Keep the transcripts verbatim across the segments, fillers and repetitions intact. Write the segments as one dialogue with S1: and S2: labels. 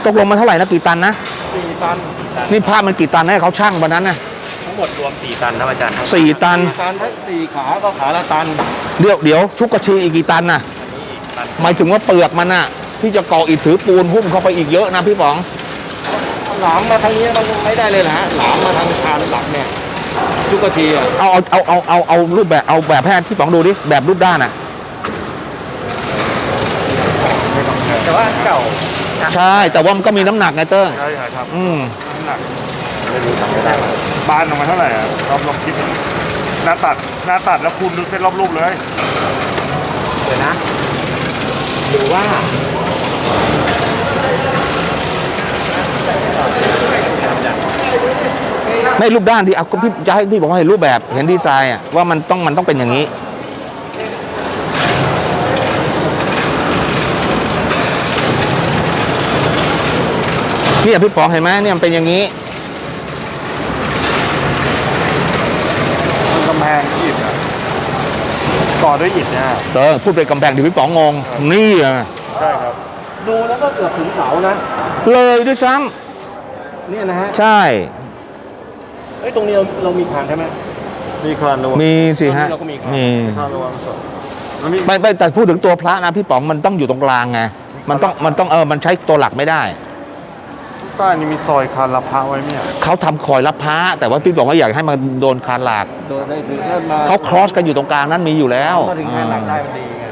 S1: กลงมันเท่าไหร่นะกี่ตันนะ
S2: สี่ตัน
S1: นี่ผ้ามันกี่ตันให้เขาช่างวันนั้นนะ
S2: ทั้งหมดรวมสี่ตันนะอาจารย์
S1: สี่ตัน
S2: ตันถ้าสี่ขาก็ขาละตัน
S1: เดี๋ยวเดี๋ยวชุกกระชีอีกกี่ตันน่ะหมายถึงว่าเปลือกมันน่ะที่จะก่ออิฐถือปูนหุ้มเข้าไปอีกเยอะนะพี่ป๋อง
S2: หลามมาทางนี้มันไม่ได้เลยนะฮะหลามมาทางคานหลักเนี่ยชุกกระชีอ่ะ
S1: เอาเอาเอาเอาเอาเอารูปแบบเอาแบบแพทย์พี่ป๋องดูดิแบบรูปด้านอ่ะ
S2: แต่ว่าเก่า
S1: ใช่แต่ว่ามันก็มีน้ำหนักไงเติ้ง
S2: ใช่ครับ
S1: อืม
S2: น้ำหนักไม่รู้ทำไม่ได้บ้านออกมาเท่าไหร่อ่ะลองลองคิดหน้าตัดหน้าตัดแล้วคูณดูเส้นรอบรูปเลยเดี๋ยวนะหรือว่า
S1: ไม่รูปด้านที่เอาพี่จะให้พี่บอกว่าเห็นรูปแบบเห็นดีไซน์อ่ะว่ามันต้องมันต้องเป็นอย่างนี้เนี่ยพี่ป๋องเห็นไหมเนี่ยมันเป็นอย่างนี้
S2: กำแพงอิฐอ่ะก่อด้วยอิฐเนี่ย
S1: เออพูดไปกำแพงที่พี่ป๋องงงนี่อ่ะ
S2: ใช่ครับดูแล้วก็เกือบถึงเสานะ
S1: เลยด้วยซ้ำ
S2: เนี่ยนะฮะ
S1: ใช่
S2: เอ้ยตรงนี้เราเรามีคานใช่ไหมมีคานระวัง
S1: มีสิฮะมี
S2: คานระวัง
S1: ไม่ไม่แต่พูดถึงตัวพระนะพี่ป๋องมันต้องอยู่ตรงกลางไงมันต้องมันต้องเออมันใช้ตัวหลักไม่ได้
S2: ใต้นี่มีซอยคานรับพระไว้เนี่ย
S1: เขาทำคอยรับพระแต่ว่าพี่บอกว่าอยากให้มันโดนคานหลัก
S2: โดนได้ถึงมา
S1: เขาครอสกันอยู่ตรงกลางนั้นมีอยู่แล้ว
S2: มาถึงคานหลักได้มันดีไง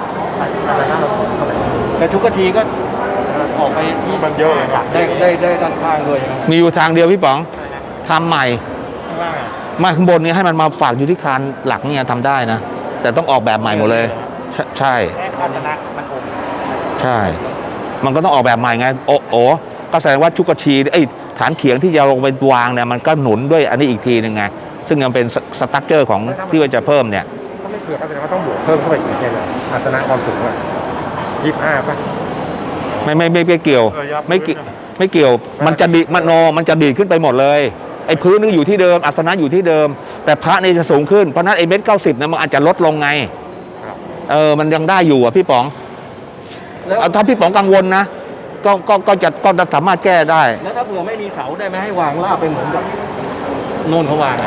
S2: แต่ทุกกะทีก็ออกไปที่มันเยอะเลยได้ได้ได้ด้านข้างด้วย
S1: มีอยู่ทางเดียวพี่ป๋องทำใหม่
S2: ข้างล่าง
S1: มาข้างบนนี้ให้มันมาฝากอยู่ที่คานหลักเนี่ยทำได้นะแต่ต้องออกแบบใหม่หมดเลยใช่
S2: แค่ภาชนะมันอม
S1: ใช่มันก็ต้องออกแบบใหม่ไงโอ้โอก็แสดงว่าชุกชีไอ้ฐานเขียงที่จะลงไปวางเนี่ยมันก็หนุนด้วยอันนี้อีกทีหนึ่งไงซึ่งมันเป็นสตั๊กเจอร์ของที่ว่าจะเพิ่มเนี่ย
S2: ถ้าไม่เผื่อก็แสดงว่าต้องบวกเพิ่มเข้าไปกี่เซนอ่ะอาสนะความสูงอ่ะยี่สิบห้าป่ะ
S1: ไม่ไม่ไม่ไม่เกี่ยวไม่เกี่ยวไม่เกี่ยวมันจะดีมันโนมันจะดีขึ้นไปหมดเลยไอ้พื้นนึงอยู่ที่เดิมอาสนะอยู่ที่เดิมแต่พระนี่จะสูงขึ้นเพราะนั้นไอ้เมตรเก้าสิบเนี่ยมันอาจจะลดลงไงเออมันยังได้อยู่อ่ะพี่ป๋องแล้วถ้าพี่ป๋องกังวลนะก็ก็ก็จะก็จะสามารถแก้ได้
S2: แล้วถ้าเผื่อไม่มีเสาได้ไหมให้วางลาบไปเหมือนกับโน่นเขาวางอ่ะ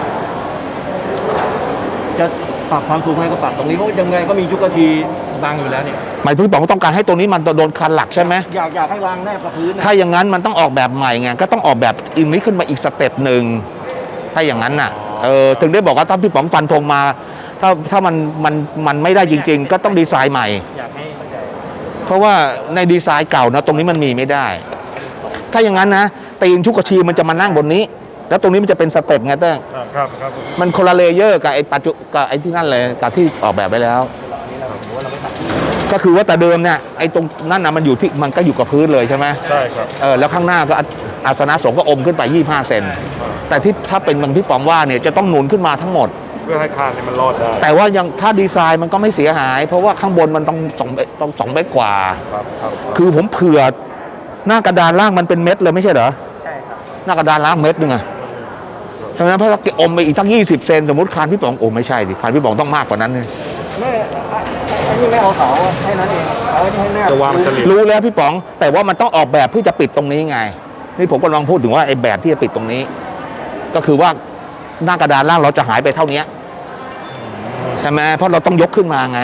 S2: จะปรับความสูงให้ก็ปรับตรงนี้เพราะยังไงก็มีชุกกะทีบังอยู่แล้วเนี่ย
S1: หมายพี่ป๋องต้องการให้ตรงนี้มันโดนคันหลักใช่ไหม
S2: อยากอยากให้วางแนบกับพื้น
S1: ถ้าอย่างนั้นมันต้องออกแบบใหม่ไงก็ต้องออกแบบอีกนี้ขึ้นมาอีกสเต็ปหนึ่งถ้าอย่างนั้นน่ะเออถึงได้บอกว่าถ้าพี่ป๋องฟันธงมาถ้าถ้ามันมันมันไม่ได้จริงๆก็ต้องดีไซน์ใหม่
S2: อยากให้
S1: เพราะว่าในดีไซน์เก่านะตรงนี้มันมีไม่ได้ถ้าอย่างนั้นนะตีนชุกกระชีมันจะมานั่งบนนี้แล้วตรงนี้มันจะเป็นสเต็ปไงเต้
S2: ครับครับ
S1: มันคนละเลเยอร์กับไอ้ปัจจุกับไอ้ที่นั่นเลยกับที่ออกแบบไปแล้วก็คือว่าแต่เดิมเนี่ยไอ้ตรงนั่นนะมันอยู่ที่มันก็อยู่กับพื้นเลยใช่ไหม
S2: ใช่ครับ
S1: เออแล้วข้างหน้าก็อาสนะสงฆ์ก็อมขึ้นไปยี่สิบห้าเซนแต่ที่ถ้าเป็นบางที่ป๋องว่าเนี่ยจะต้องหนุนขึ้นมาทั้งหมด
S2: เพื่อให้คานมันรอดได้
S1: แต่ว่ายังถ้าดีไซน์มันก็ไม่เสียหายเพราะว่าข้างบนมันต้องสองต้องสองเมตรกว่าคือผมเผื่อหน้ากระดานล่างมันเป็นเม็ดเลยไม่ใช่เหรอ
S2: ใช่ครับ
S1: หน้ากระดานล่างเม็ดนึงอะฉะนั้นเพราะเราอมไปอีกตั้งยี่สิบเซนสมมติคานพี่ป๋องโอ้ไม่ใช่ดิคานพี่ป๋องต้องมากกว่านั้นเลย
S2: ไม่อันนี้ไม่เอาเสาให้นั้นเองเอาให้แนบจะวางสลิป
S1: รู้แล้วพี่ป๋องแต่ว่ามันต้องออกแบบเพื่อจะปิดตรงนี้ไงนี่ผมกำลังพูดถึงว่าไอ้แบบที่จะปิดตรงนี้ก็คือว่าหน้ากระดานล่างเราจะหายไปเท่านี้ใช่ไหมเพราะเราต้องยกขึ้นมาไง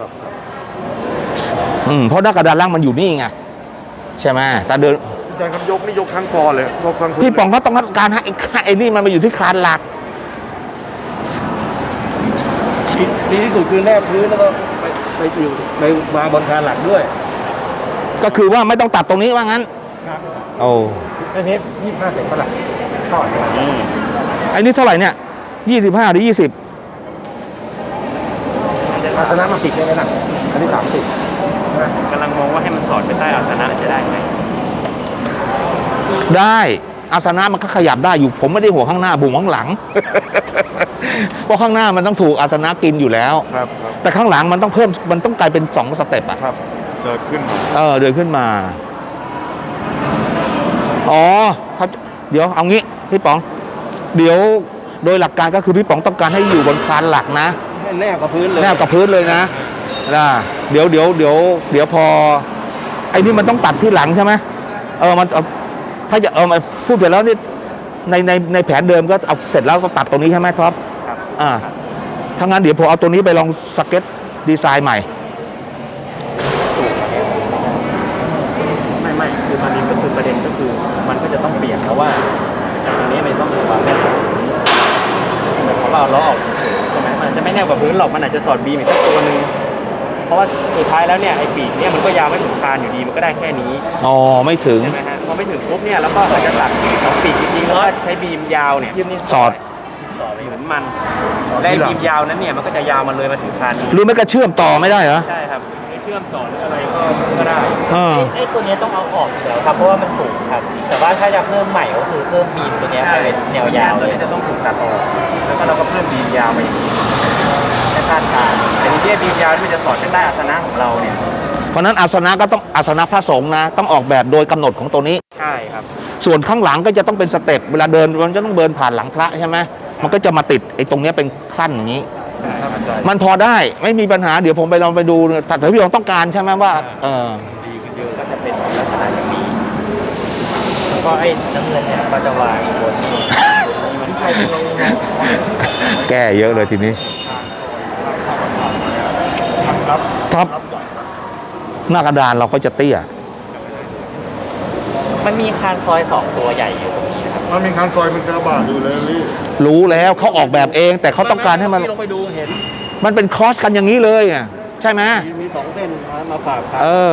S1: อืมเพราะหน้ากระดานล่างมันอยู่นี่ไงใช่ไหมแต่เดิน
S2: อาจารย์ครับยกนี่ยกทั้งคอเลยยกทั้ง
S1: พี่ป๋องเขาต้องการให้ไอ้นี่มันมาอยู่ที่คานหลัก
S2: ดีที่สุดคือแนบพื้นแล้วก็ไปไปอยู่ไปวางบนคานหลักด้วย
S1: ก็คือว่าไม่ต้องตัดตรงนี้ว่างั้น
S2: ครับ
S1: โอ้
S2: อันนี้ยี่สิบห้าเซนเท่าไหร่เท่าไหร่
S1: ไอ้นี่เท่าไหร่เนี่ยยี่สิบห้าหรือยี่สิบ
S2: อาสนะมาสิบได้ไหมล่ะอันนี้สามสิบกำลังมองว่าให้มันสอดไปใต้อาสนะจะได้ไหม
S1: ได้อาสนะมันก็ขยับได้อยู่ผมไม่ได้ห่วงข้างหน้าบุ๋มข้างหลังเพราะข้างหน้ามันต้องถูกอาสนะกินอยู่แล้ว
S2: ครับ
S1: แต่ข้างหลังมันต้องเพิ่มมันต้องกลายเป็นสองสเต็ปอ่ะ
S2: ครับเดินขึ้นมา
S1: เออเดินขึ้นมาอ๋อครับเดี๋ยวเอางี้พี่ป๋องเดี๋ยวโดยหลักการก็คือพี่ป๋องต้องการให้อยู่บนคานหลักนะ
S2: ให้แนบกับพื้นเลย
S1: แนบกับพื้นเลยนะนะเดี๋ยวเดี๋ยวเดี๋ยวเดี๋ยวพอไอ้นี่มันต้องตัดที่หลังใช่ไหมเออมันเอาถ้าจะเอามาพูดไปแล้วนี่ในในในแผนเดิมก็เอาเสร็จแล้วก็ตัดตรงนี้ใช่ไหมครับ
S2: ครับ
S1: อ่าถ้างั้นเดี๋ยวผมเอาตัวนี้ไปลองสเก็ตดีไซน์ใหม่
S3: ไม่ไม่คือตอนนี้ก็คือประเด็นก็คือมันก็จะต้องเปลี่ยนเพราะว่าจากตรงนี้มันต้องมีความแน่นกว่าพื้นหมายความว่าเอาล้อออกเฉยๆใช่ไหมมันอาจจะไม่แน่นกว่าพื้นหรอกมันอาจจะสอดบีมอีกสักตัวหนึงเพราะว่าสุดท้ายแล้วเนี่ยไอ้ปีกเนี่ยมันก็ยาวไม่ถึงคานอยู่ดีมันก็ได้แค่นี้
S1: อ๋อไม่ถึง
S3: ใช่ไหมฮะพอไม่ถึงปุ๊บเนี่ยแล้วก็อาจจะตัดสองปีกจริงๆแล้วก็ใช้บีมยาวเนี่ย
S1: สอด
S3: สอดไปเหมือนมันและไอ้บีมยาวนั้นเนี่ยมันก็จะยาวมาเลยมาถึงคานนี้
S1: หรือไม่ก็เชื่อมต่อไม่ได้เหรอ
S3: ใช่ครับไอ้เชื่อมต่อหรืออะไรก็ก็ได้
S1: เออ
S4: ไอ้ตัวเนี้ยต้องเอาออกอยู่แล้วครับเพราะว่ามันสูงครับ แต่ว่าถ้าจะเพิ่มใหม่ก็คือเพิ่มบีมตัวเนี้ยให้เป็นแนวยาว
S3: เล
S4: เลย ย
S3: จะต้องถูกตัดออกแล้วก็เราก็เพิ่มบีมยาวมาอีกแค่คาดการณ์แต่ทีนี้บีมยาวที่มันจะสอดกันได้อาสนะของเราเนี่ย
S1: เพราะฉะนั้นอาสนะก็ต้องอาสนะพระสงฆ์นะต้องออกแบบโดยกำหนดของตัวนี้
S3: ใช่ครับ
S1: ส่วนข้างหลังก็จะต้องเป็นสเต็ปเวลาเดินมันจะต้องเดินผ่านหลังพระใช่ไหมมันก็จะมาติดไอ้ตรงเนี้ยเป็นขั้นอย่างนี้
S3: ใช่ครับอาจารย์
S1: มันพอได้ไม่มีปัญหาเดี๋ยวผมไปลองไปดูแต่ถ้าพี่ลองต้องการใช่ไหมว่าเออ
S3: ดีขึ้นเยอะก็จะเป็นลักษณะอย่างนี้
S4: แล้วก็ไอ้น้ำเงินเนี่ยก็จะวางบนนี้นี่มันใครเป็น
S1: แก้เยอะเลยทีนี้ท็อปหน้ากระดานเราก็จะเตี้ย
S4: มันมีคานซอยสองตัวใหญ่อยู่ตรงนี้นะครับ
S2: มันมีคันซอยเป็นกระบะอยู่เลยลี่
S1: รู้แล้วเขาออกแบบเอง แต่เขาต้องการให้มัน
S3: พี่ลงไปดูเห็น
S1: มันเป็นครอสกันอย่างนี้เลยอ่ะใช่ไหม
S3: มีสองเส้นมาฝากครับ
S1: เออ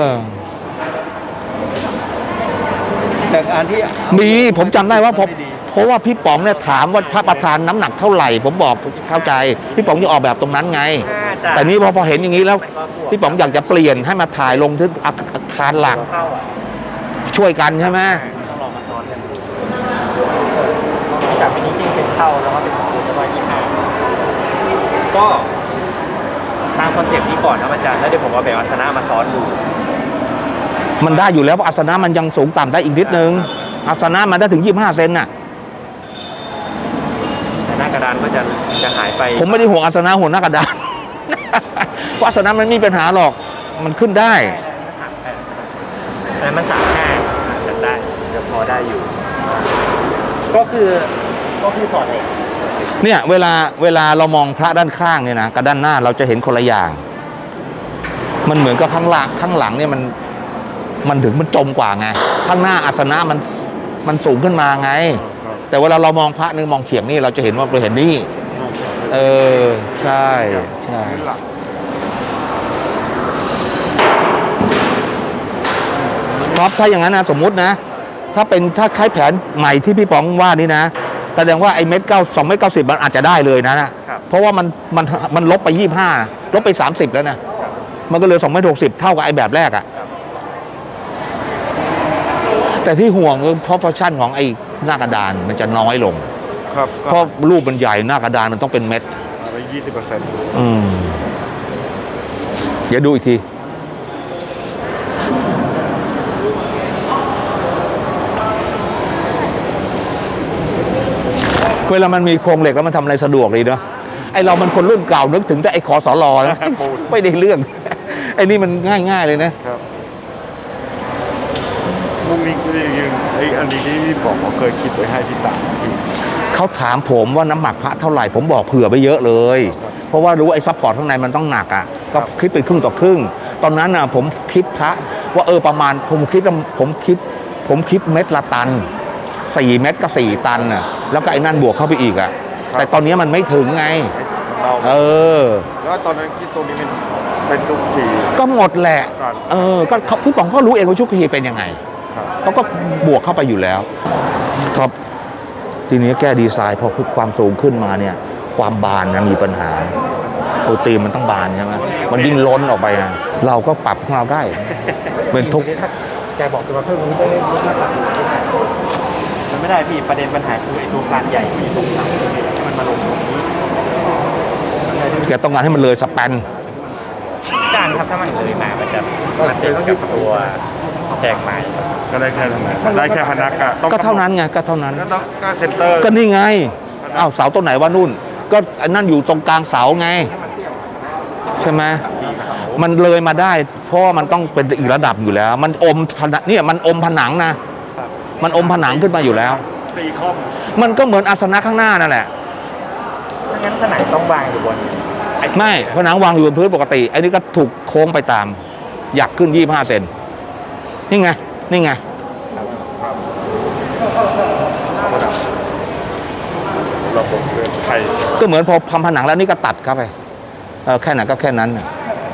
S3: แต่อันที่
S1: มีผมจำได้ว่าผมเพราะว่าพี่ป๋องเนี่ยถามว่าพระประธานน้ำหนักเท่าไหร่ ผมบอกเข้าใจ พี่ป๋องจะออกแบบตรงนั้นไง แต่นี้พอพอเห็นอย่างนี้แล้ว พี่ป๋องอยากจะเปลี่ยนให้มาถ่ายลงที่อาอาคารหลัก
S3: เข้าอ่ะ
S1: ช่วยกันใช่ไหม
S3: ต้องลองมาซ้อนกันดูจากเป็นนี้ที่เป็นเข้าแล้วก็เป็นของคุณแล้วก็ยี่ห้าก็ตามคอนเซ็ปต์นี้ก่อนครับอาจารย์แล้วเดี๋ยวผมเอาแบบอาสนะมาซ้อนดู
S1: มันได้อยู่แล้วเพราะอาสนะมันยังสูงต่ำได้อีกนิดนึงอาสนะมันได้ถึงยี่สิบห้าเซนน่ะ
S3: แต่หน้ากระดานก็จะจะหายไป
S1: ผมไม่ได้ห่วงอาสนะห่วงหน้ากระดาน เพราะอาสนะมันไม่มีปัญหาหรอกมันขึ้นได้
S3: แต่มันสามห้าจะได้จะพอได้อยู่
S4: ก็คือก็คือสอดเหล็ก
S1: เนี่ยเวลาเวลาเรามองพระด้านข้างเนี่ยนะกับด้านหน้าเราจะเห็นคนละอย่าง มันเหมือนกับข้างหลังข้างหลังเนี่ยมันมันถึงมันจมกว่าไงข้างหน้าอาสนะมันมันสูงขึ้นมาไง แต่เวลาเรามองพระนึงมองเฉียงนี่เราจะเห็นว่าเราเห็นนี่ เออใช่ใช่
S2: พื้นหลัก
S1: ครับถ้าอย่างนั้นนะสมมุตินะ ถ้าเป็นถ้าคล้ายแผนใหม่ที่พี่ป๋องว่านี่นะแสดงว่าไอ้เม็ดเก้าสองเม็ดเก้าสิบมันอาจจะได้เลยนะนะเพราะว่ามันมันมันลบไปยี่ห้าลบไปสามสิบแล้วนะมันก็เหลยสองเมตรหกสิบเท่ากับไอ้แบบแรกอะแต่ที่ห่วงคือเพราะฟังก์ชันของไอ้หน้ากระดานมันจะน้อยลง
S2: ครับ
S1: เพราะรูปมันใหญ่หน้ากระดานมันต้องเป็นเม็ด
S2: ไปยี่สิบเปอร์เซ็นต์
S1: อืมเดี๋ยวดูอีกที เวลามันมีโครงเหล็กแล้วมันทำอะไรสะดวกเลยเนาะไอเรามันคนรุ่นเก่านึกถึงแต่ไอขอสอรอนะไม่ได้เรื่อง ไอนี่มันง่ายๆเลยนะครับ
S2: มุมนี้คือยังไออันนี้ที่พี่บอกเขาเคยคิดไว้ให้พี่ตาพี่
S1: เขาถามผมว่าน้ำหนักพระเท่าไหร่ผมบอกเผื่อไปเยอะเลย เพราะว่ารู้ว่าไอ้ซัพพอร์ตข้างในมันต้องหนักอ่ะก็คิดไปครึ่งต่อครึ่ง ตอนนั้นอ่ะผมคิดพระว่าเออประมาณผมคิดผมคิด ผมคิดเม็ดละตันสี่เม็ดก็สี่ตันอ่ะแล้วก็ไอ้นั่นบวกเข้าไปอีกอ่ะแต่ตอนนี้มันไม่ถึงไง
S2: เรา
S1: เออ
S2: แล้วตอนนั้นคิดตรงนี้เป็นเป็นทุกที
S1: ก็หมดแหละ
S2: ครับ
S1: เออก็เขาพี่ป๋องก็รู้เองว่าชุกคีเป็นยังไง
S2: ครับ
S1: เขาก็บวกเข้าไปอยู่แล้วครับทีนี้แก้ดีไซน์พอคือความสูงขึ้นมาเนี่ย ความบานนะมีปัญหาโปรตีนมันต้องบานใช่ไหมมันยิ่งล้นออกไปอ่ะเราก็ปรับของเราได้ เป็นทุก
S3: แกบอกจะมาเพิ่มตรงนี้ได้ไหมมันไม่ได้พี่ประเด็นปัญหาคือไอ้ตัวคานใหญ่ที่อยู่ตรงเสาเนี่ยให้มันมาลงตรงนี้
S1: แกต้องการให้มันเลยสแปน
S3: การครับถ้ามันเลยมามันจะมันติดกับตัวแจกไม้
S2: ก็ได้แค่นั้นนะได้แค่พนักอะต้อง
S1: ก็เท่านั้นไงก็เท่านั้น
S2: ก็ต้องก็เซ็นเตอร์
S1: ก็นี่ไงอ้าวเสาต้นไหนว่านู่น ก็อันนั่นอยู่ตรงกลางเสาไง ใช่ไหมมันเลยมาได้ เพราะว่ามันต้องเป็นอีกระดับอยู่แล้ว มันอมผนังเนี่ยมันอมผนังนะมันอมผนังขึ้นมาอยู่แล้ว
S2: ตีคอม
S1: มันก็เหมือนอาสนะข้างหน้านั่นแหละ
S3: ถ้างั้นผนังต้องวางอยู่บนอ้
S1: ไม่ผนังวางอยู่บนพื้นปกติไอ้นี่ก็ถูกโค้งไปตามหยักขึ้นยี่สิบห้าเซนนี่ไงนี่ไง
S2: ระบบเรือนไทย
S1: ก็เหมือนพอทำผนังแล้วนี่ก็ตัดเข้าไปเออแค่ไหนก็แค่นั้นน่ะ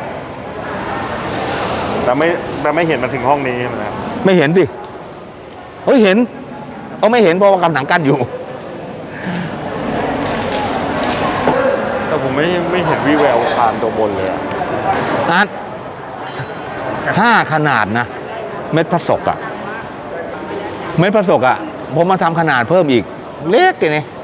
S2: แต่ไม่แต่ไม่เห็นมันถึงห้องนี้นะ
S1: ไม่เห็นสิเฮ้ยเห็นเอาไม่เห็นเพราะว่ากำหนังกั้นอยู่
S2: แต่ผมไม่ไม่เห็นวิแววคานตัวบนเลยอะ
S1: นัดห้าขนาดนะ เม็ดพระศกอะเม็ดพระศกอะผมมาทำขนาดเพิ่มอีก เล็กเลยนี่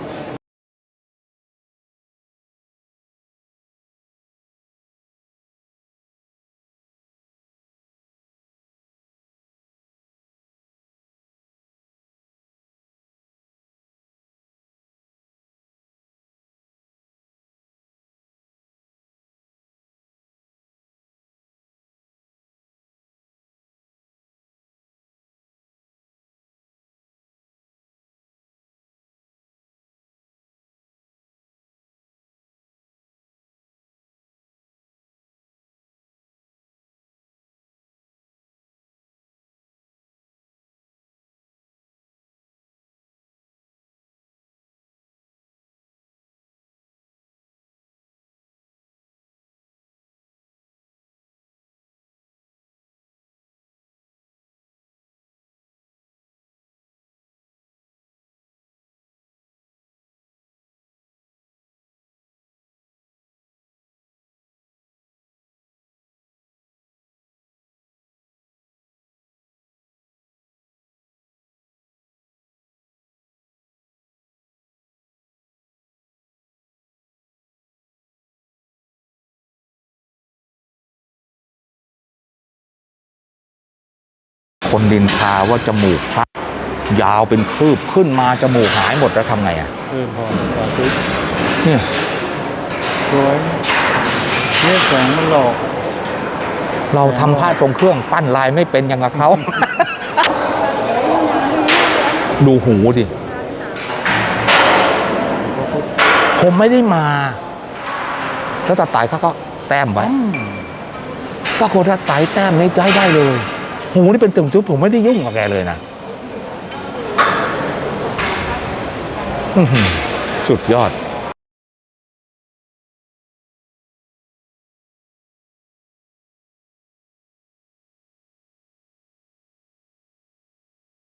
S1: คนดินทาว่าจมูกพระยาวเป็นคืบขึ้นมาจมูกหายหมดแล้วทำไงอะ
S3: เออพอพอซื้อ
S1: เนี่ย
S3: สวยเนี่ยแสงมันหลอก
S1: เราทำผ้าทรงเครื่องปั้นลายไม่เป็นอย่างกับเขา ดูหูดิผมไม่ได้มา แล้วตาไต่เขาก็แต้มไว้ปรากฏว่าไต่แต้มนี้ได้ได้เลย หูนี่เป็นตึงจุ๊บผมไม่ได้ยุ่งกับแกเลยนะอื้อหือสุดยอด